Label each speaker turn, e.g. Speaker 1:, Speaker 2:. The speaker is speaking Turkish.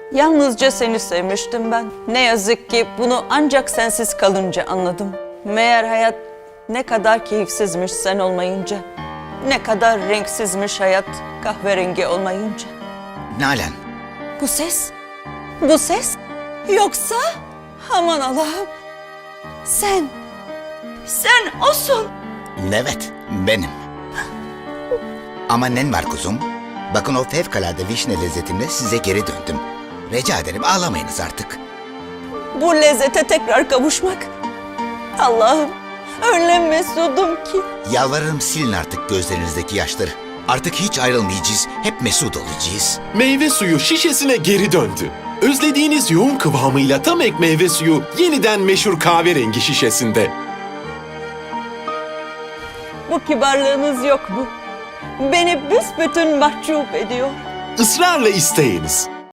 Speaker 1: Yalnızca seni sevmiştim ben. Ne yazık ki bunu ancak sensiz kalınca anladım. Meğer hayat ne kadar keyifsizmiş sen olmayınca. Ne kadar renksizmiş hayat kahverengi olmayınca.
Speaker 2: Nalan,
Speaker 1: Bu ses? Bu ses? Yoksa? Aman Allah'ım. Sen osun.
Speaker 2: evet benim. Ama nen var kuzum? Bakın o fevkalade vişne lezzetimle size geri döndüm. Rica ederim ağlamayınız artık.
Speaker 1: Bu lezzete tekrar kavuşmak. Allah'ım öyle mesudum ki.
Speaker 2: Yalvarırım silin artık gözlerinizdeki yaşları. Artık hiç ayrılmayacağız, hep mesut olacağız.
Speaker 3: Meyve suyu şişesine geri döndü. Özlediğiniz yoğun kıvamıyla tam ek meyve suyu yeniden meşhur kahverengi şişesinde.
Speaker 1: Bu kibarlığınız yok mu? Beni büsbütün mahcup ediyor.
Speaker 3: Israrla isteyiniz.